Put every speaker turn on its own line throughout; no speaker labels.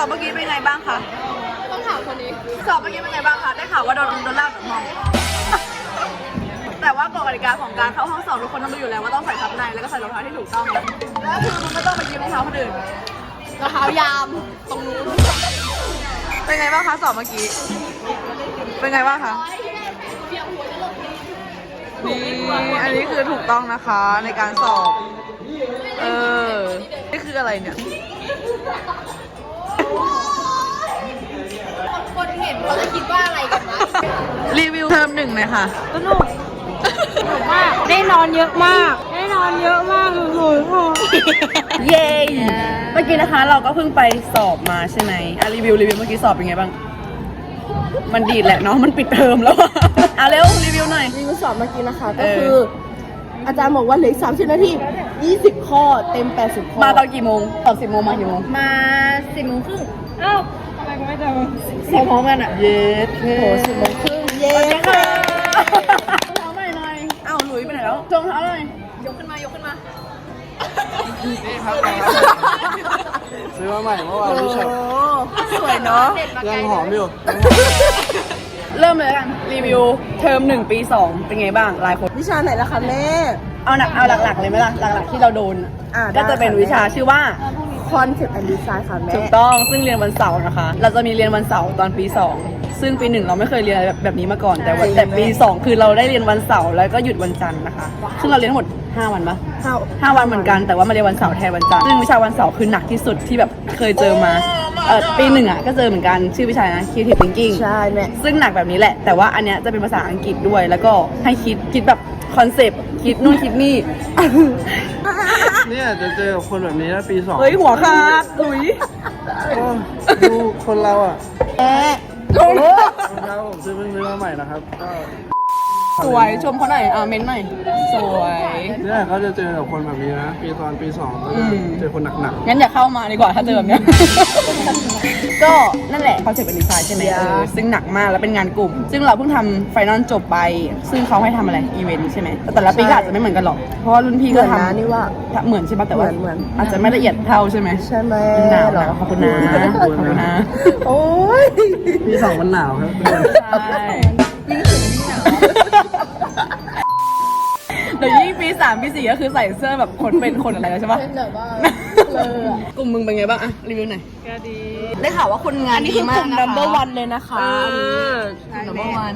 เมื่อกี้เป็นไงบ้างคะ
ต้องถามคนนี้
สอบเมื่อกี้เป็นไงบ้างคะได้ข่าวว่าโดนลากจากห้องแต่ว่ากฎกติกาของการเข้าห้องสอบทุกคนต้องรู้อยู่แล้วว่าต้องใส่ทับในแล้วก็ใส่รองเท้าที่ถูกต้องแล้วคือมึงไม่ต้องไปยืมรองเท้าคนอื่น
รองเท้ายามตรงนู้น
เป็นไงบ้างคะสอบเมื่อกี้เป็นไงบ้างคะนี่อันนี้คือถูกต้องนะคะในการสอบนี่คืออะไรเนี่ย
คนเห็นเขาจะคิดว่าอะไรกันนะ
รีวิวเทอม 1หน่อยค่ะ
สนุกมากได้นอนเยอะมากเลย
เย้เมื่อกี้นะคะเราก็เพิ่งไปสอบมาใช่ไหมรีวิวเมื่อกี้สอบเป็นไงบ้างมันดีแหละเนาะมันปิดเทอมแล้วเร็วรีวิวหน่อย
รีวิวสอบเมื่อกี้นะคะก็คืออาจารย์บอกว่าเหลือ30 นาที20 ข้อเต็ม80 ข้อ
มาตอนกี่โมงตอน10 โมงมากี่โมง
มา10 โมงครึ่งอ้าวทำไมไม่เจอ
พร้อมกันอ่ะเย้โห
10 โมงครึ่งเย้
ค่ะเท้าหน่อยอ้าวหลุยไปไหนแล้วจงเท้าหน่อย
ยกขึ้นมา
ซื้อมาใหม่เมื่อวานพี่ชอบ
สวยเนาะ
ยังหอมอยู่
เริ่มเลยกันรีวิวเทอม1 ปี 2เป็นไงบ้างรายคน
วิชาไหนล่ะคะแม่
เอาหลักๆเลยไหมล่ะหลักๆที่เราโดนก็จะเป็นวิชาชื่อว่า
Concept and Design ค่ะแม่
ถูกต้องซึ่งเรียนวันเสาร์นะคะเราจะมีเรียนวันเสาร์ตอนปี2ซึ่งปี1เราไม่เคยเรียนแบบนี้มาก่อนแต่ปี2คือเราได้เรียนวันเสาร์แล้วก็หยุดวันจันทร์นะคะซึ่งเราเรียนทั้งหมด5 วันปะ5 วันเหมือนกันแต่ว่ามาเรียนวันเสาร์แทนวันจันทร์ซึ่งวิชาวันเสาร์คือหนักที่สุดที่แบบเคยเจอมาปี1ก็เจอเหมือนกันชื่อวิชานะ Creative Thinking
ใช่แม่
ซึ่งหนักแบบนี้แหละแต่ว่าอันเนี้ยจะเป็นภาษาอังกฤษด้วยแล้วก็ให้คิดแบบคอนเซปต์คิดนู่นคิดนี่
เนี่ยจะเจอคนแบบนี้นะปี2
เฮ้ยหัวขาดหลุย
ดูคนเราอ่ะรองเท้าผมเพิ่งซื้อมาใหม่นะครับก็
สวยชมเขาหน่อยเม้นหน่อยสวย
เนี่ยเขาจะเจอกับคนแบบนี้นะปี2ก็จะเจอคนหนัก
งั้นอย่าเข้ามาดีกว่าถ้าเจอแบบเนี้ยก็นั่นแหละคอนเซ็ปต์เป็นดีไซน์ใช่ไหมซึ่งหนักมากแล้วเป็นงานกลุ่มซึ่งเราเพิ่งทำไฟนอลจบไปซึ่งเขาให้ทำอะไรอีเวนต์ใช่ไหมแต่ละปีก็อาจจะไม่เหมือนกันหรอกเพราะว่ารุ่นพี่ก็ทำ
นี่ว่า
เหมือนใช่ปะแต่ว่าอาจจะไม่ละเอียดเท่าใช่ไหม
ใช่ไหม
หนาวหรอขอบคุณนะ
โอ้ย
ปี2มันหนาวครับ
ใช่เดี๋ยวยิ่งปี3 ปี 4ก็คือใส่เสื้อแบบคนเป็นคนอะไรแล้วใช่ปะ
เป็นแบบว่
ากลุ่มมึงเป็นไงบ้างอะรีวิวหน่อย
ก็ดี
ได้ข่าวว่าคนงานดีมากนะคะ
number 1เลยนะคะ
number 1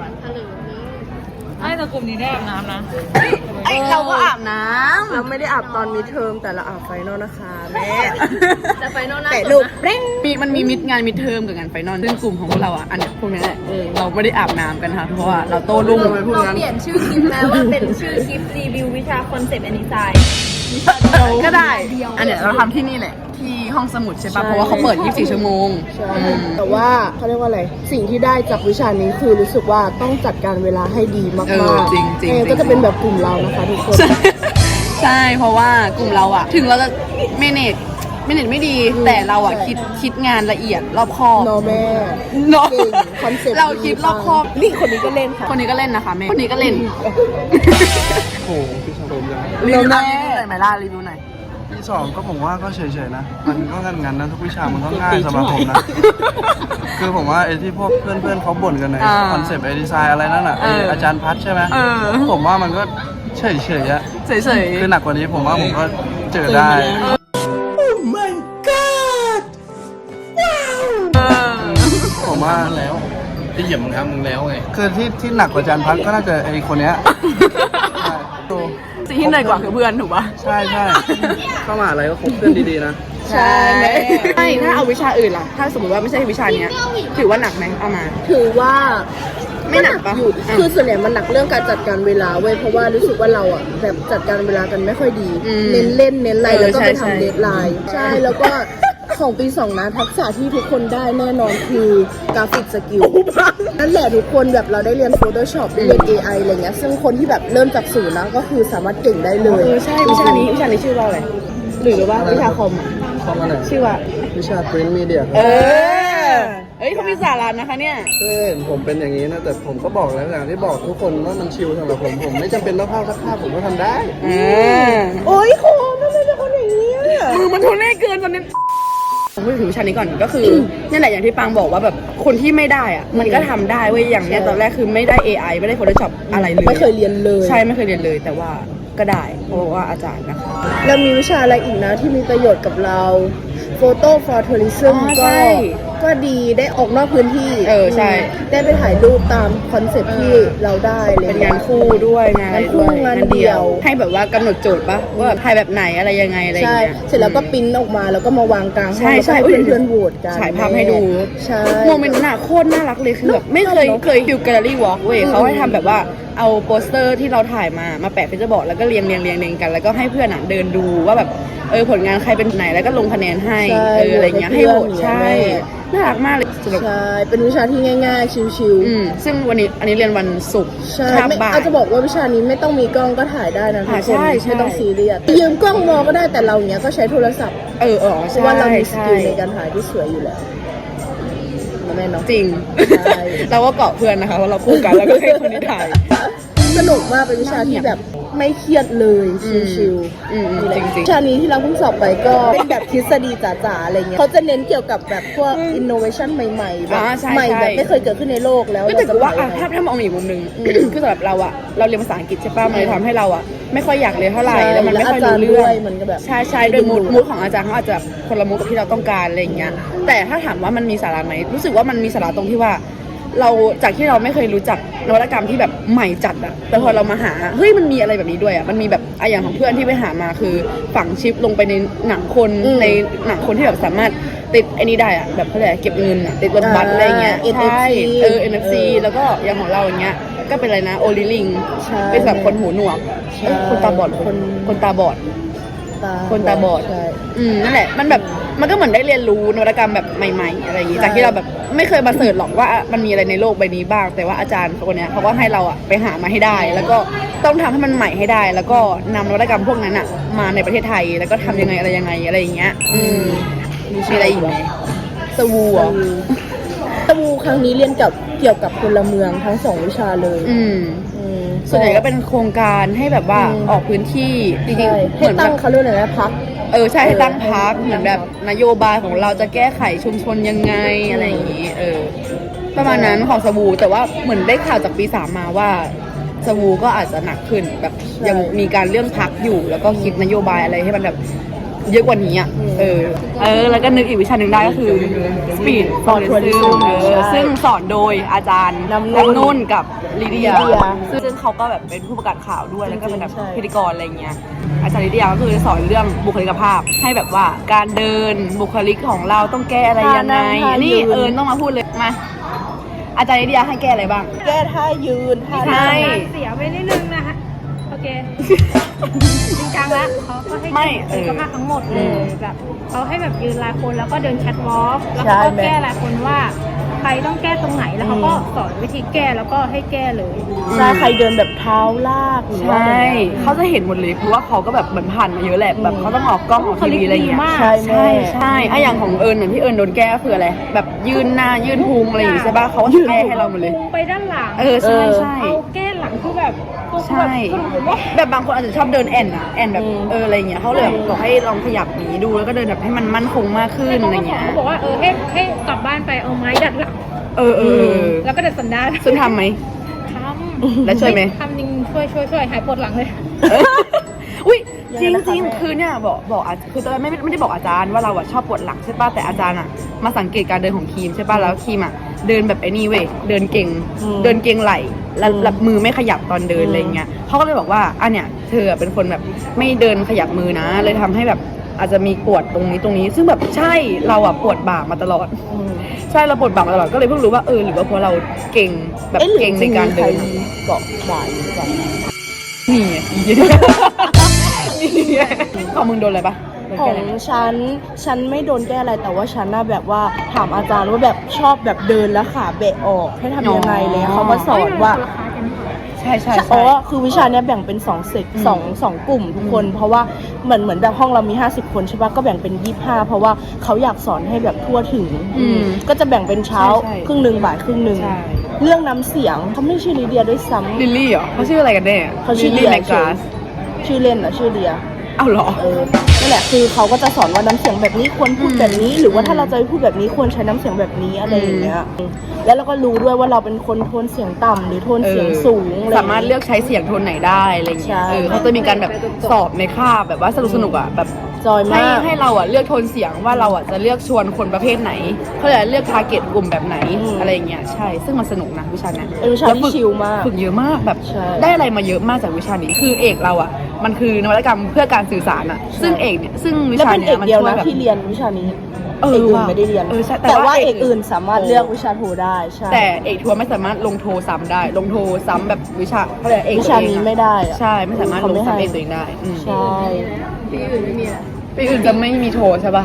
ไอ้แต่กลุ่มนี้ได้อาบน้ำนะ
ไอเราก็อาบน้ำ
เราไม่ได้อาบตอนมิดเทอมแต่เราอาบไฟนอลนะคะแม่แต่ไฟนอล
แต่ลูกเร่งมันมีงานมิดเทอมกับงานไฟนอลซึ่งกลุ่มของพวกเราอ่ะอันนี้พวกนี้แหละเราไม่ได้อาบน้ำกันค่ะเพราะว่าเราโตรุ่ง
เราเปลี่ยนชื่อคลิปแล้วว่าเป็นชื่อคลิปรีวิววิชาคอนเซปต์แอนด์ดีไซน์
ก็ได้อันเนี้ยเราทำที่นี่แหละที่ห้องสมุดใช่ปะเพราะว่าเขาเปิด24 ชั่วโมง
แต่ว่าเขาเรียกว่าอะไรสิ่งที่ได้จากวิชานี้คือรู้สึกว่าต้องจัดการเวลาให้ดีมาก
ๆจริง
ๆก็จะเป็นแบบกลุ่มเรานะคะทุกคน
ใช่เพราะว่ากลุ่มเราอะถึงเราจะเมเนจไม่ดีแต่เราอะคิดงานละเอียดรอบคอบ
แม่
คอนเซ็ปต์เราคิดรอบคอบ
นี่คนนี้ก็เล่นค่ะ
คนนี้ก็เล่นนะคะแม่คนนี้ก็เล่น
โอ้พี่ชมยัง
รีวิวหน่อยไหมล่ะรีวิวหน่อย
ปี2ก็ผมว่าก็เฉยๆนะมันก็งั้นนะทุกวิชามันก็ง่ายสำหรับผมนะคือผมว่าไอ้ที่พวกเพื่อนเขาบ่นกันในคอนเซปต์ไอดีไซน์อะไรนั่นอ่ะอาจารย์พัดใช่ไหมผมว่ามันก็เฉยๆอะ
เฉย
คือหนักกว่านี้ผมว่าผมก็เจอได้ผมว่าแล้ว
ที่เหยียบมึงครับมึงแล้วไง
คือที่หนักกว่าอาจารย์พัดก็น่าจะไอ้คนเนี้ย
สิ่งที่เหนื่อยกว่าคือเพื่อนถูกปะ
ใช่เข้ามาอะไรก็คบเพื่อนดีๆนะ
ใช่ถ้าเอาวิชาอื่นล่ะถ้าสมมติว่าไม่ใช่วิชาเนี้ยถือว่าหนักไหมเอามา
ถือว่า
ไม่หนักปะ
คือส่วนใหญ่มันหนักเรื่องการจัดการเวลาเว้ยเพราะว่ารู้สึกว่าเราอ่ะแบบจัดการเวลากันไม่ค่อยดีเน้นเล่นเน้นอะไรแล้วก็ไปทำเดดไลน์ใช่แล้วก็ของปี2นะทักษะที่ทุกคนได้แน่นอนคือกราฟิกสกิลนั่นแหละทุกคนแบบเราได้เรียน Photoshop ได้เรียน AI อะไรเงี้ยซึ่งคนที่แบบเริ่มจากศูนย์นะก็คือสามารถเก่งได้เลย
ใช่วิชานี้ชื่อว่าอะไรหรือว่าวิชาคอม
อะไร
ชื่อว่า
วิชา Print Media
เขามีสาระนะคะเนี่ย
ผมเป็นอย่างนี้นะแต่ผมก็บอกแล้วอย่างที่บอกทุกคนว่ามันชิลสำหรับผมไม่จำเป็นต้องเข้าสักภาพผมก็ทำได้
โอ้ยโคมทำไมเป็นคนอย่างนี้
มือมันทุเรศเกินตอนนี้ผมพูดถึงวิชานี้ก่อนก็คือ นี่แหละอย่างที่ปังบอกว่าแบบคนที่ไม่ได้อะมันก็ทำได้เว้ยอย่างเนี้ยตอนแรกคือไม่ได้ AI ไม่ได้ Photoshop อะไรเลย
ไม่เคยเรียนเลย
ใช่ไม่เคยเรียนเลยแต่ว่าก็ได้เพราะว่าอาจารย์นะคะ
แล้วมีวิชาอะไรอีกนะที่มีประโยชน์กับเรา Photo for Tourism
อ๋อ
ก็
ใช่
ก็ดีได้ออกนอกพื้นที่
ใช่
ได้ไปถ่ายรูปตามคอนเซ็ปต์ที่เราได้เลย
เป็นงานคู่ด้วยงานอะไรด้วย
งานเดี่ยว
ให้แบบว่ากำหนดโจทย์ปะว่าแบบถ่ายแบบไหนอะไรยังไงอะไรอย่าง
ใช่
เงี้ย
เสร็จแล้วก็ปริ้นออกมาแล้วก็มาวางกลางห้อง
ใช่
แล้ว
ใช่
ก็ให้เพื่อนๆโหวตกัน
ฉายภาพให้ดู
ใช่
โมเมนต์น่ะโคตรน่ารักเลยคือแบบไม่เคยดูแกลเลอรี่วอล์กเว้ยเขาให้ทำแบบว่าเอาโปสเตอร์ที่เราถ่ายมาแปะเป็นจะบอกแล้วก็เรียงกันแล้วก็ให้เพื่อนอ่ะเดินดูว่าแบบผลงานใครเป็นไหนแล้วก็ลงคะแนนให้
ใช่
อะไรเงี้ยให้โหวต
ให้เพื่อน
ใช่น่ารักมากเลยสนุก
ใช่ เป็นวิชาที่ง่ายๆ ชิว
ซึ่งวันนี้อันนี้เรียนวันศุกร์
ๆ ใช่
คาบ
ไม่
บ่าย
อาจจะบอกว่าวิชานี้ไม่ต้องมีกล้องก็ถ่ายได้นะทุกคน
ใช่ใช่
ไม่ต้องซีเรียสยืมกล้องมอก็ได้แต่เราเนี้ยก็ใช้โทรศัพท์
อ๋อ
เพ
ใช่
ราะว่าเรามีส
ใช่
กิลในการถ่ายที่สวยอยู่แล้วนะแม่เนาะ
จริง
ใช่
เราก็เกาะเพื่อนนะคะว่าเราคู่กันแล้วก็ให้คนที่ถ่าย
สนุกมากเป็นวิชาที่แบบไม่เครียดเลยชิว
อืม
นี่แหละ
จริงๆ
วิชานี้ที่เราเพิ่งสอบไปก็เป็นแบบทฤษฎีจ๋าๆอะไรเงี้ยเขาจะเน้นเกี่ยวกับแบบพวก innovation ใหม่ๆแบบ
ใช่
ใหม่
ใช่
แบบไม่เคยเกิดขึ้นในโลกแล้ว
ก็แต่ว่า
เรจะ
ถ้ามองอีกมุมหนึ่งคือสำหรับเราอะเราเรียนภาษาอังกฤษใช่ป่ะมันเลยทำให้เราอะไม่ค่อยอยากเรียนเท่าไหร่แล้วมันไม่ค่อยรู้เรื่อง
มันก็แบบ
ใช่ด้วยมูดของอาจารย์เขาอาจจะคนละมูดกับที่เราต้องการอะไรอย่างเงี้ยแต่ถ้าถามว่ามันมีสาระไหมรู้สึกว่ามันมีสาระตรงที่ว่าเราจากที่เราไม่เคยรู้จักนวัตกรรมที่แบบใหม่จัดอะแต่พอเรามาหาเฮ้ยมันมีอะไรแบบนี้ด้วยอะมันมีแบบอย่างของเพื่อนที่ไปหามาคือฝังชิปลงไปในหนังคนในหนังคนที่แบบสามารถติดไอ้นี้ได้อะแบบเขาเรียกอะไรเก็บเงินอะติดรถบัสอะไรเงี้ย
NFC
ใช่NFC แล้วก็อย่างของเราอย่างเงี้ยก็เป็นอะไรนะโอลิลิง
ใช่
เป็นแบบคนหูหนวก
ใช่
คนตาบอดคนตาบอด คนตาบอด
ใช่
นั่นแหละมันแบบมันก็เหมือนได้เรียนรู้นวัตกรรมแบบใหม่ๆอะไรอย่างงี้
ใช่
จากที่เราแบบไม่เคยมาเสิร์ชหรอกว่ามันมีอะไรในโลกใบนี้บ้าง แต่ว่าอาจารย์คนเนี้ยเขาก็ให้เราอะไปหามาให้ได้ แล้วก็ต้องทำให้มันใหม่ให้ได้ แล้วก็นำนวัตกรรมพวกนั้นอะมาในประเทศไทยแล้วก็ทำยังไงอะไรอย่างเงี้ยมีอะไรอีกไหมสวูอ่ะ
ตะวูครั้งนี้เรียนเกี่ยวกับพลเมืองทั้งสองวิชาเลย อืม
ส่วนใหญ่ก็เป็นโครงการให้แบบว่าออกพื้นที่จริง
ใช่
ๆเห
ให้
มือน
ตั้
แบ
ง
บ
เขาเรียกอะไรนะพัก
ใช่ให้ตั้งพักเหมือนแบบนโยบายของเราจะแก้ไขชุมชนยังไงอะไรอย่างนี้ประมาณนั้นของสวูแต่ว่าเหมือนได้ข่าวจากปี 3มาว่าสวูก็อาจจะหนักขึ้นแบบ
ใช่
ยังมีการเรื่องพักอยู่แล้วก็คิดนโยบายอะไรให้มันแบบเยอะกว่านี้อ่ะแล้วก็นึกอีกวิชาหนึ่งได้ก็คือ Speed for Tourism ซึ่งสอนโดยอาจารย์น้ำนุ่นกับลิเดียซึ่งเขาก็แบบเป็นผู้ประกาศข่าวด้วยแล้วก็เป็นแบบพิธีกรอะไรเงี้ยอาจารย์ลิเดียก็คือสอนเรื่องบุคลิกภาพให้แบบว่าการเดินบุคลิกของเราต้องแก้อะไรยังไงนี่ต้องมาพูดเลยมาอาจารย์ลิเดียให้แก้อะไรบ้าง
แก้ท่ายืนท่า
ใช่
เสียไปนิดนึงนะคะโอเค จริงจังแล้วเขาก็ให้
ไม่
สุขภาพทั้งหมดเลยแบบเขาให้แบบยืนรายคนแล้วก็เดินแคทวอล์กแล้วเขาก็แก้รายคนว่าใครต้องแก้ตรงไหนแล้วเขาก็สอนวิธีแก้แล้วก็ให้แก้เลย
ใช่ใครเดินแบบเท้าลากหรือว่า
ใช่
อะไร
เขาจะเห็นหมดเลยเพราะว่าเขาก็แบบเหมือนผ่านมาเยอะแหละแบบเขาต้องออกกล้องออกทีวีอะไรอย่างเงี้ย
เขา
ใช่
ใช่
แม่
ใช่อย่างของเอิญเหมือนที่เอิญโดนแก้ก็คืออะไรแบบยืนหน้ายืนพุงอะไรอย่างงี้ใช่ป่ะเขาก็จะแก้ให้เราหมดเลย
พุงไปด้านหลัง
ใช่ใช่
เอาแก้หลังคือแบบตัว
ใช่ แบบบางคนอาจจะชอบเดินแอนแบบอะไรอย่างเงี้ยเขาเลยแบบบอกให้ลองขยับหนีดูแล้วก็เดินแบบให้มันมั่นคงมากขึ้นอะไรเงี้ย
เขาบอกว่าให้กลับบ้านไปเอาไม้ดัดหลัง แล้วก็ดัดสันดาน
ซึ่งทำไหม
ทำ
แล้วช่วยไหม
ทำจริงช่วยหายปวดหลังเลย
อุ้ยจริงคือเนี่ยบอกคือตอนแรกไม่ได้บอกอาจารย์ว่าเราอะชอบปวดหลังใช่ป่ะแต่อาจารย์อะมาสังเกตการเดินของครีมใช่ป่ะแล้วครีมอะเดินแบบไอ้นี่เว้ยเดินเก่งไหลแล้วมือไม่ขยับตอนเดินอะไรเงี้ยเขาก็เลยบอกว่าอันเนี้ยเธอเป็นคนแบบไม่เดินขยับมือนะเลยทำให้แบบอาจจะมีปวดตรงนี้ซึ่งแบบใช่เราอะปวดบ่ามาตลอดใช่เราปวดบ่ามาตลอดก็เลยเพิ่งรู้ว่าหรือว่าเพราะเราเก่งแบบเก่งในการเดิน
เกาะบ่ายหรือเปล่า
นี่ไงนี่ไงของมึงโดนอะไรปะโดน
ขอ
แก้
ง
อะไรไหม
ฉันไม่โดนแก้อะไรแต่ว่าฉันน่ะแบบว่าถามอาจารย์ว่าแบบชอบแบบเดินแล้วขาเบะออกให้ทำยังไงเลยเขามาสอนว่า
ใช่
อ๋อคือวิชาเนี้ยแบ่งเป็น2เซกสองกลุ่มทุกคน เพราะว่าเหมือนแบบห้องเรามี50คนใช่ปะก็แบ่งเป็น25เพราะว่าเขาอยากสอนให้แบบทั่วถึงก็จะแบ่งเป็นเช้าครึ่งนึงบ่ายครึ่งนึง
ใช่
เรื่องน้ำเสียงเขาไม่ชื่อลิเดียด้วยซ้ำ
ลิลลี่เหรอเขาชื่ออะไรกันแน่
เขาชื่อ
ลิล
เดี
ลี่
ย
แมกกาส
ชื่อเล่นอะชื่อเดีย
เอาเหรอ
นั่นแหละคือเขาก็จะสอนว่าน้ำเสียงแบบนี้ควรพูดแบบนี้ หรือว่าถ้าเราจะพูดแบบนี้ควรใช้น้ำเสียงแบบนี้อะไรอย่างเงี้ยแล้วเราก็รู้ด้วยว่าเราเป็นคนโทนเสียงต่ำหรือโทนเสียงสูงอะไร
สามารถเลือกใช้เสียงโทนไหนได้อะไรเงี้ย
ใช่
เขาจะมีการแบบสอบในคาบแบบว่าสนุกอ่ะแบบ
จอยมาก
ให้เราอ่ะเลือกโทนเสียงว่าเราอ่ะจะเลือกชวนคนประเภทไหนเขาจะเลือกทาร์เก็ตกลุ่มแบบไหนอะไรอย่างเงี้ยใช่ซึ่งมันสนุกนะวิชาเนี้ย
เป็นวิชาที่ชิลมาก
ฝึกเยอะมากแบบ
ใช่
ได้อะไรมาเยอะมากจากวิชานี้คือเอกเราอ่ะมันคือนวัตกรรมเพื่อการสื่อสารอ่ะซึ่งเอกเนี่ยซึ่งวิ
แล้ว
ชา
เป็น
เนี้
เอย ก
มัน
เดียว
ช่วย
นะ
แบบ
ที่เรียนวิชานี้
เออ
เอกอื่น
ว่ะ
ไม่ได้เรียน
เออใช่แต่
แต่ว่า
ว่า
เอกอื่นสามารถเลือกวิชาโทได้ใช่
แต่เอกทัวร์ไม่สามารถลงโทซ้ำได้ ลงโทซ้ำแบบวิชาเขาเรียกเอก
วิชานี้ไม่ได้อะ
ใช่ไม่สามารถ
เขา
ลง
ไม่ให้
ซ้ำเอกตัวเองได้อืม
ใช่
ปีอื่นจะไม่มีโทใช่ป่ะ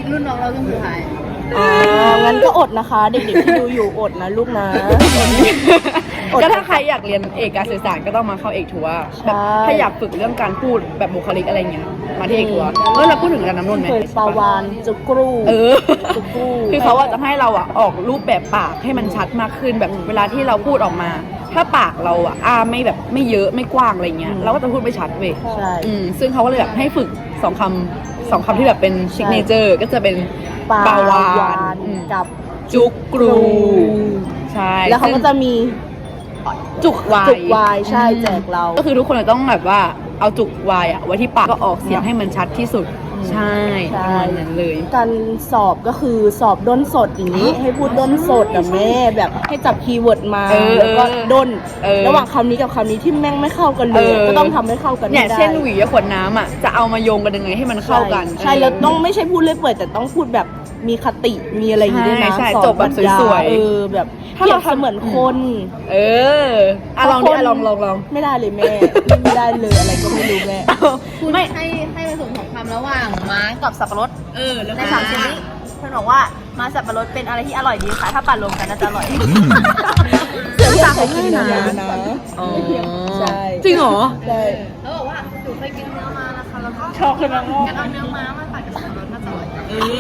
อ่างั้นก็อดนะคะ เด็กๆที่ดูอยู่อดนะลูกนะ อด
ก็ถ้าใครอยากเรียนเอกการสื่อสารก็ต้องมาเข้าเอกทัวร์
ใช่
แบบถ้าอยากฝึกเรื่องการพูดแบบบุคลิกอะไรเงี้ยมาที่เอกทัวร์เราพูดถึงกันน้ำนนท์ไหม
เคยปาวานจุกรู
เออ
จุกรู
คือเขาอะจะให้เราอะออกรูปแบบปากให้มันชัดมากขึ้นแบบเวลาที่เราพูดออกมา ถ้าปากเราอะไม่แบบไม่เยอะไม่กว้างอะไรเงี้ยเราก็จะพูดไม่ชัดเว้ย
ใช่
ซึ่งเขาก็เลยแบบให้ฝึกสองคำที่แบบเป็นซิกเนเจอร์ก็จะเป็น
ปา
ปาวาว
าน นกับ
จุกกรูใช่
แล้วเขาก็จะมี
จุกวาย
จุกวายใช่แจกเรา
ก็คือทุกคนจะต้องแบบว่าเอาจุกวายอะไว้ที่ปากก็ออกเสียงให้มันชัดที่สุด ใช่
ใช่
ประมาณนั้นเลย
การสอบก็คือสอบด้นสดอย่างนี้ ให้พูดด้นสดกับแม่แบบให้จับคีย์เวิร์ดมา
เออ
แล้วก็ด้น
เออ
ระหว่างคำนี้กับคำนี้ที่แม่งไม่เข้ากันเลย ก็ต้องทำให้เข้ากัน
เนี่ย
ให้ได้
เช่นหวีกับขวดน้ำอ่ะจะเอามาโยงกันยังไงให้มันเข้ากัน
ใช่แล้วต้องไม่ใช่พูดเรื่อยเปื่อยแต่ต้องพูดแบบมีคติมีอะไรอย่างนี้ด้วยนะ
ใช่
สอน
จบแบบสวยๆ
เออแบบ
ถ้าเรา
เปรียบเสมือนคน
เอออะลองดิอะลอง
ไม่ได้เลยแม่ไม่ได้เลยอะไรก็ไม่รู้แม่
ไม่
ให้ผสมของคำระหว่างม้ากับสับปะรด
แล้ว
ในสามชนิดเพื่อนบอกว่าม้าสับปะรดเป็นอะไรที่อร่อยดีค่ะ ถ้าปั่นรวมกันน่าจะอร่อย
เสียงอยากให้กินนะใช่
จริงเหรอ
ใช่
แล้วบอกว่าหนูเคยกินเนื้อม้านะคะแล้วก็
ชอบเลยนะ
งั้นเอาเนื้อม้ามาปั่นกับสับปะรดน่าจะอร่อย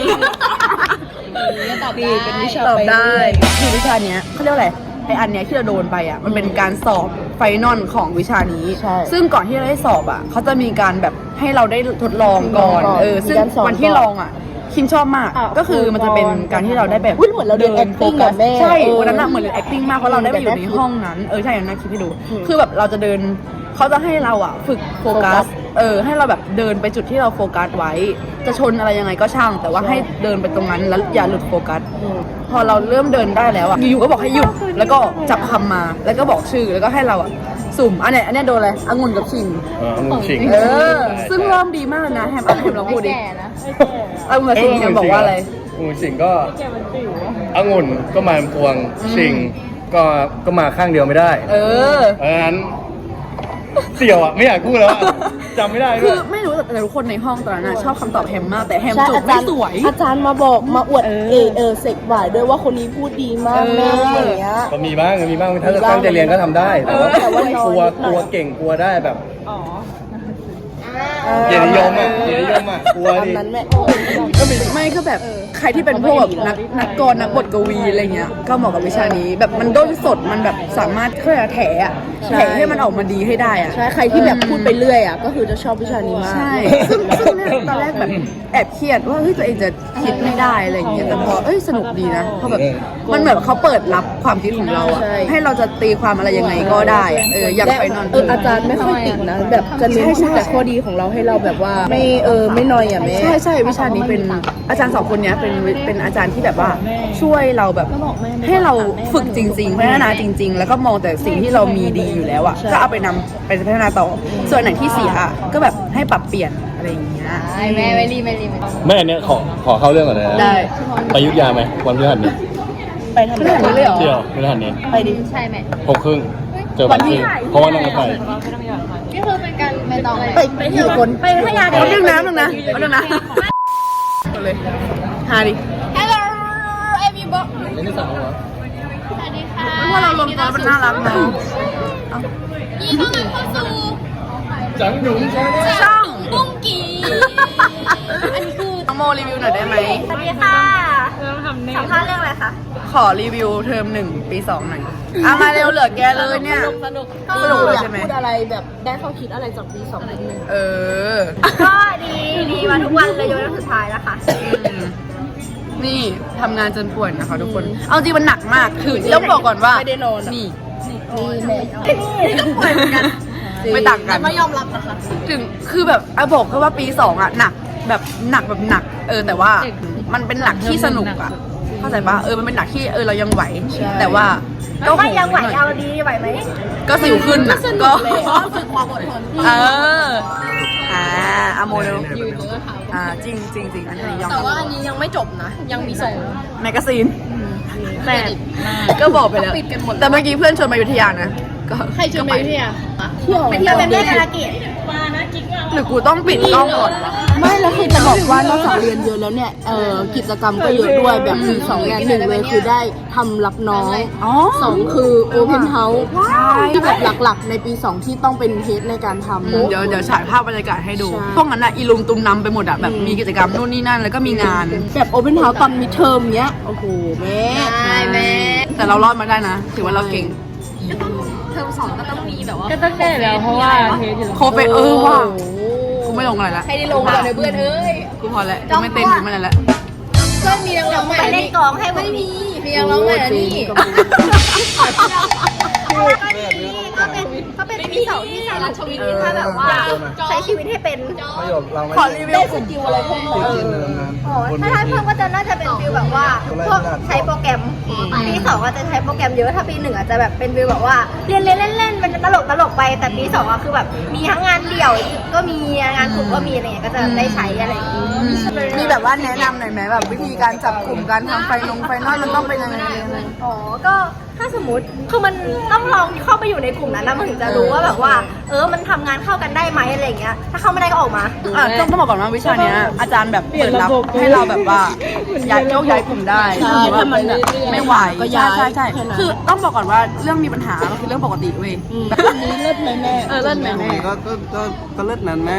ตอบดีเป็นวิชา
ตอบ
ไป
ได้
เรื่อย
คือวิชาเนี้ยเขาเรียกว่าอะไรไออันเนี้ยที่เราโดนไปอ่ะมันเป็นการสอบไฟนอลของวิชานี้
ใช่
ซึ่งก่อนที่เราได้สอบอ่ะเขาจะมีการแบบให้เราได้ทดลองก่อน
มีการสอน
ซึ่ง
ก่อน
วันที่ลองอ่ะคิมชอบมาก
อ่ะ
ก็คือมันจะเป็นการที่เราได้แบบ
อุ๊ยเหมือนเราเรียน acting อะแม่
ใช่
เออ
วันนั้นอะเหมือนเรียน acting มากเพราะเราได้ไปอยู่ในห้องนั้นใช่อย่างนั้นคลิปให้ดู คือแบบเราจะเดินเขาจะให้เราอ่ะฝึกโฟกัสให้เราแบบเดินไปจุดที่เราโฟกัสไว้ จะชนอะไรยังไงก็ช่าง แต่ว่าให้เดินไปตรงนั้นแล้วอย่าหลุดโฟกัส พอเราเริ่มเดินได้แล้วอ่ะอยู่ๆก็บอกให้หยุดแล้วก็จับคำมาแล้วก็บอกชื่อแล้วก็ให้เราอ่ะสุ่มอันเนี้ยโดนอะไรองุ่นกับชิง
องุ่นชิง
ซึ่งเริ่มดีมากเลยนะแฮมลองพูดดิองุ่นกับชิงแฮมบอกว่าอะไร
องุ่นชิงก็องุ่นก็มาพวงชิงก็มาข้างเดียวไม่ได้ เพราะฉะนั้นเสี่ยวอ่ะไม่อยากพูดแล้วอะจำไม่ได้
คื
ด้ว
อย ไม่รู้แต่ทุกคนในห้องตอนนั้นอะชอบคำตอบแฮมมากแต่แฮม
ใช่
จบ
อา
ไม่
จารย์
สวย
อาจารย์มาบอกมาอวดเสกบ่ายด้วยว่าคนนี้พูดดีมากแม่อย่างเงี้ย
ก็มีบ้างถ้าตั้งใจเรียนก็ทำได้ แต่ว่า
แต่ว่าน้อย
กลัวเก่งกลัวได้แบบเกียรตินิยมอ่ะกลัว
ตอน
ดิ
นั้นแม่
ไม่ก็แบบใครที่เป็นพวกแบบนักกรนักบทกวีอะไรเงี้ยก็เหมาะกับวิชานี้ แบบมันด้นสดมันแบบสามารถเคลื่อนแถอะแถให้มันออกมาดีให้ได้อะ
ใช่ใครที่แบบพูดไปเรื่อยอ่ะก็คือจะชอบวิชานี้มาก
ใช่ซึ่งเนี่ยตอนแรกแบบแอบเครียดว่าเฮ้ยตัวเองจะคิดไม่ได้อะไรอย่างเงี้ยแต่พอสนุกดีนะเพราะแบบมันเหมือนเขาเปิดรับความคิดของเราอะ
ใช่
ให้เราจะตีความอะไรยังไงก็ได้อะอย่าง
และ
ไปนอน
อาจารย์ไม่ค่อยติดนะแบบจะเน้นพูดแต่ข้อดีของเราให้เราแบบว่าไม่นอยอ่ะแม่
ใช่วิชานี้เป็นอาจารย์สองคนเนี้ยเป็นอาจารย์ที่แบบว่าช่วยเราแบบให้เราฝึกจริงๆพัฒนาจริง ๆ แล้วก็มองแต่สิ่งที่เรามีดีอยู่แล้วอ่ะก็เอาไปนำไปพัฒนาต่อ ส่วนไหนที่เสียอะก็แบบให้ปรับเปลี่ยนอะไรอย่างเงี้ย
แม่ไม่รีบ
แม่เนี่ยขอเข้าเรื่องก่อนเลยนะ
ได้
ไปอยุธยาไหมวันพฤหัสนี้
ไปทำอะไร
ไม่เลยเหรอ
เที่ยวพฤหัสนี้
ไปดิ
ใช่ไหม
6:30เจอบัตรที่เพราะว่านั่งรถไฟ
นี่คือเป็นการไม่ต้องเลย
ไปกี่คน
ไปพัทยา
เอาเรื่องน้ำหนึ่งนะเอาเรื่องน้ำเอาเลยหาดิ
Hello everybody
นี่สาวเหรอ
สวัสดีค่ะ
เพราะเราลงตัวมันน่ารักเนาะ
ยินดีต้อนรับเข้าสู่
จังหยุงใช่ไหม
ช่อง
บุ้งกีอันนี้คือ
น้องโมรีวิวหน่อยได้ไหม
สวัสดีค่ะสัมภาษณ์เรื่องอะไรคะ
ขอรีวิวเทอม1 ปี 2หน่อยมาเร็วเหลือแกเลยเนี่ยสนุกเลย
อยาก
ใช่ไหม
พูดอะไรแบบได้ข้อคิดอะไรจากปี2นิดนึง
ก็ดีมาทุกวันเลยจนวันสุดท้ายแล้วค่ะ
นี่ทำงานจนป่วยนะคะทุกคน เอาจริงมันหนักมาก คือต้องบอกก่อนว่า
ไม่ได้นอน
นี่
นี่ก็ป่วยเหมือนกัน
ไม่ต่างกัน
ไม่ยอมรับนะคะ
ถึงคือแบบบอกแค่ว่าปี2อ่ะหนักแบบหนักแบบหนัก แต่ว่ามันเป็นหนักที่สนุกอ่ะเข้าใจปะมันเป็นหนักที่เรายังไหว แต่ว่าก็
ไม่ยังไหวเอาดีไหวไหม
ก็สิวขึ้นนะก็
ฝึกความอดทน
อะโมเดลจริงจริงจริงอันนี้ยอม
แต่ว่าอันนี้ยังไม่จบนะ ยังมีส่ง
แมกกาซีนแต่ก็บอกไปแล้ว แต่เมื่อกี้เพื่อนชวนมาอยุธยานะก็
ใครชวนไปที่อ่ะเที่ยว
ไปเที่ยวเป็นแม่นาเกต
หรือกูต้องปิดกล้องก่อนวะ
ไม่แล้วคือจะบอกว่านอกจากเรียนเยอะแล้วเนี่ยกิจกรรมก็เยอะด้วยแบบคือ2งาน1เลยคือได้ทำรับน้อง2คือโอเพนเฮาส์ที่แบบหลักๆในปี2ที่ต้องเป็นเทสในการทำ
เดี๋ยวฉายภาพบรรยากาศให้ดู
ใช่
พวกนั้นอะอีลุงตุมนำไปหมดอะแบบมีกิจกรรมนู่นนี่นั่นแล้วก็มีงาน
แบบโอเพนเฮาส์ตอนมิดเทอมเนี้ยโอ้โหแม่
แต่เรารอดมาได้นะ ถือว่าเราเก่ง
ก็ต้องได้แล้วเพราะว่าเทสอยู่
โคไปว่ะกูไม่ลงอะไรละให้ได้ลงก่อนเลยเพื่อนกูพอแล้วกูไม่เต้นกูไม่อะไรละ
เพื่อนมีนักร้องใหม่
ไปเล่นกองให้ไม่มี
มีนักร้องใหม่นี่
ก็เป็นปี2ที่สารัชวินถ้าแบบว่าใช้ชีวิตให้เป็น
ประโยคเราไม่
ขอรีวิวกลุ่ม
อะไรเพิ่มเติม
ถ้าเพิ่มก็จะน่าจะเป็นฟิลแบบว่าพวกใช้โปรแกรมปี2ก็จะใช้โปรแกรมเยอะถ้าปี1อาจจะแบบเป็นฟิลแบบว่าเรียนเล่นเป็นตลกไปแต่ปี2ก็คือแบบมีทั้งงานเดี่ยวก็มีงานกลุ่มก็มีอะไรเงี้ยก็จะได้ใช้อะไรอย่างงี้
มีแบบว่าแนะนำหน่อยไหมแบบวิธีการจับกลุ่มการทำไฟนอลมันต้องเป็นยังไง
อ๋อก็ถ้าสมมติคือมันต้องลองเข้าไปอยู่ในกลุ่มนั้นนะมันถึงจะรู้ว่าแบบว่ามันทำงานเข้ากันได้ไหมอะไรอย่างเงี้ยถ้าเข้าไม่ได้ก็ออกมา
ต้องบอกก่อนว่าวิชาเนี้ยอาจารย์แบบเปิดรับให้เราแบบว่าย้ายกลุ่มได้
ใช่ถ้ามันแบบ
ไม่ไหว
ก็ย้าย
ใช่
แค่นั้น
คือต้องบอกก่อนว่าเรื่องมีปัญหามันคือเรื่องปกติเว้ย
อันนี้เลิศไหมแม่
เล่นแม่
ก็เลิศนั้นแม่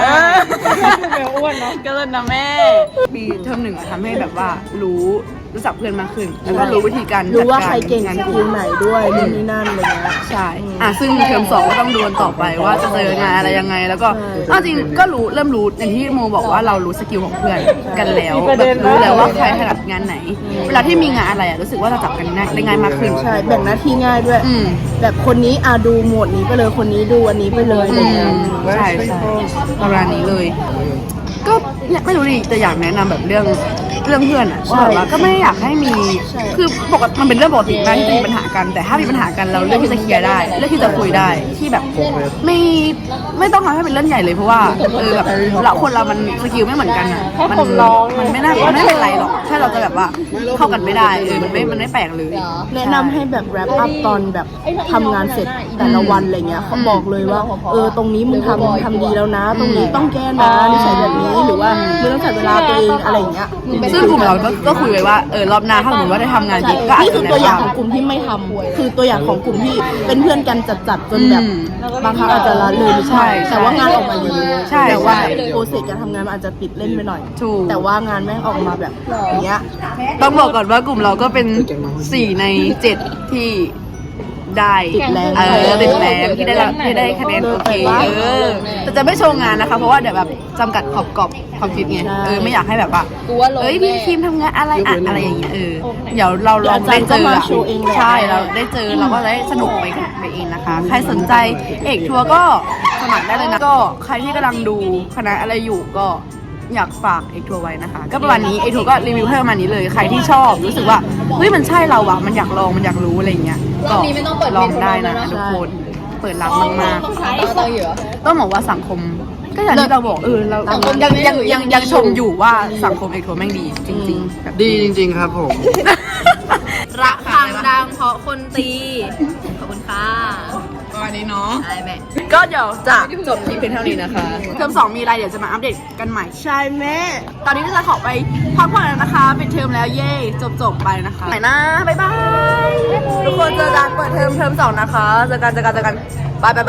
ก็เล่นนะแม่ปีเทอม1ทำให้แบบว่ารู้จักเพื่อนมากขึ้น แล้วก็รู้วิธีการจัด
รู้ว่า
การ
ใครเก่ง
งาน
ที
กลุ่
ม
ม
ไหนด้วยนู่นนี่นั่นอะไรเงี้ย
ใช่ซึ่งเทอม2ก็ต้องดูกันต่อไปว่าจะเจองานอะไรยังไง แล้วก็จริงก็เริ่มรู้อย่างที่โมบอกว่าเรารู้สกิลของเพื่อนกันแล้วแบบรู้แล้วว่าใครถนัดงานไหน เวลาที่มีงานอะไรรู้สึกว่าเราจับกันได้ง่ายมากขึ้น
ใช่แบ่งหน้าที่ง่ายด้วย แบบคนนี้ดูโหมดนี้ไปเลยคนนี้ดูอันนี้ไปเลยอะไรเงี้ย
ใช่ประมาณนี้เลย ก็เนี่ยไม่รู้ดิแต่อยากแนะนำแบบเรื่องเพื่อนอะว่าแบบว่าก็ไม่อยากให้มีคือปกติมันเป็นเรื่องปกติมากที่จะมีปัญหากัน แต่ถ้ามีปัญหากันเราเลือกที่จะเคลียร์ได้เลือกที่จะคุยได้ที่แบบไม่ต้องทำให้เป็นเรื่องใหญ่เลยเพราะว่าแบบเราคนเรามันสกิลไม่เหมือนกันอะมันไม่เป็นไรหรอกแค่เราจะแบบว่าเข้ากันไม่ได้มันไม่แปลกเลย
แนะนำให้แบบแรปอัพตอนแบบทำงานเสร็จแต่ละวันอะไรเงี้ยเขาบอกเลยว่าตรงนี้มึงทำดีแล้วนะ ตรงนี้ต้องแก้นะนิสัยแบบนี้หรือว่ามึงต้องจัดเวลาตัวเองอะไรเงี้ย
ซึ่งกลุ่มเราก็คุยไว้ว่ารอบหน้าถ้าสมมติว่าได้ทำงานจริงก็อาจ
นี่
จะ
คือตัวอย่างของกลุ่มที่ไม่ทำคือตัวอย่างของกลุ่มที่เป็นเพื่อนกันจัดจนแบบบางครั้งอาจจะละเลยไม่ใช่แต่ว่างานออกมาดีแต่ว่าโปรเซสการทำงานมันอาจจะติดเล่นไปหน่อยแต่ว่างานแม่งออกมาแบบอย่างเงี้ย
ต้องบอกก่อนว่ากลุ่มเราก็เป็น4 ใน 7ที่ได้
ติดแรง
ติดแรงที่ได้คะแนนโอเคแต่จะไม่โชว์งานนะคะเพราะว่าเดี๋ยวแบบจำกัดขอบความคิดไงไม่อยากให้แบบว่าพี่ทีมทำงานอะไรอะไรอย่างเงี้ยเดี๋ยวเราลองได้เจอใช่เราได้เจอเราก็ได้สนุกไปเองนะคะใครสนใจเอกทัวร์ก็สมัครได้เลยนะก็ใครที่กำลังดูคณะอะไรอยู่ก็อยากฝากเอกทัวร์ไว้นะคะก็ประมาณนี้เอกทัวร์ก็รีวิวให้ประมาณนี้เลยใครที่ชอบรู้สึกว่าเฮ้ยมันใช่เราอะมันอยากลองมันอยากรู้อะไรเงี้ยก็ลองได้นะทุกคนเปิดรับมากๆต้องบอกว่าสังคมก็อย่างที่เราบอกเรายังชมอยู่ว่าสังคมเอกทัวร์แม่งดีจริงๆแบบ
ดีจริงๆครับผม
ระฆังดังเพราะคนตี ขอบคุณค่ะ
ประมาณนี้เนาะ
ได้แม่
ก็เดี๋ยวจะจบที่เพียงเท่านี้นะคะเทอม2มีอะไรเดี๋ยวจะมาอัปเดตกันใหม่ใช่แม่ตอนนี้ก็จะขอไปพักผ่อนแล้วนะคะปิดเทอมแล้วเย่จบไปนะคะไหนนะบ๊ายบายทุกคนเจอกันเปิดเทอม2นะคะเจอกันบาย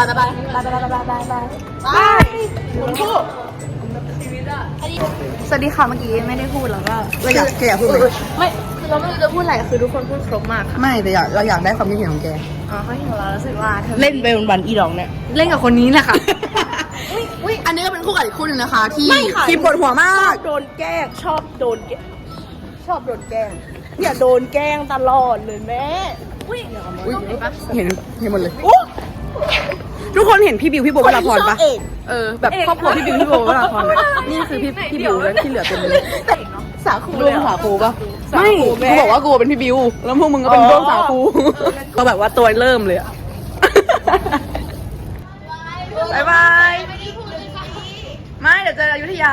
คุณผู้สวัสดีค่ะเมื่อกี้ไม่ได้พูดแล้วก็อยากพูดไหมไม่
เราไม่รู้จะพูดอะไรคือทุกคนพูดครบมากค่ะ
ไม่แต่เราอยากได้ความคิดเห็นของแก
อ๋อเขาเห็นเรารู้สึกว่าเธอ
เล่นไปวันๆอีดองเนี่ย
เล่นกับคนนี้แหละค่ะ
อันนี้ก็เป็นคู่กับอีกคู่หนึ่งนะคะ ที่
ไม่ค่ะ
ที่ปวดหัวมาก
โดนแกล้งชอบโดนแกล้งอย่าโดนแกล้งตลอดเลยแม่
เห็นหมดเลยทุกคนเห็นพี่บิวพี่โบวราพรปะแบบครอบครัวพี่บิวพี่โบวราพรอะนี่คือพี่บิวแล้วที่เหลือเป็นเลย
สาคู
ร่วมสาคูปะไม่กูบอกว่ากูเป็นพี่บิวแล้วพวกมึงก็เป็นร่วมสาคูก็แบบว่าตัวเริ่มเลยอะบายบายไม่เดี๋ยวเจออยุธยา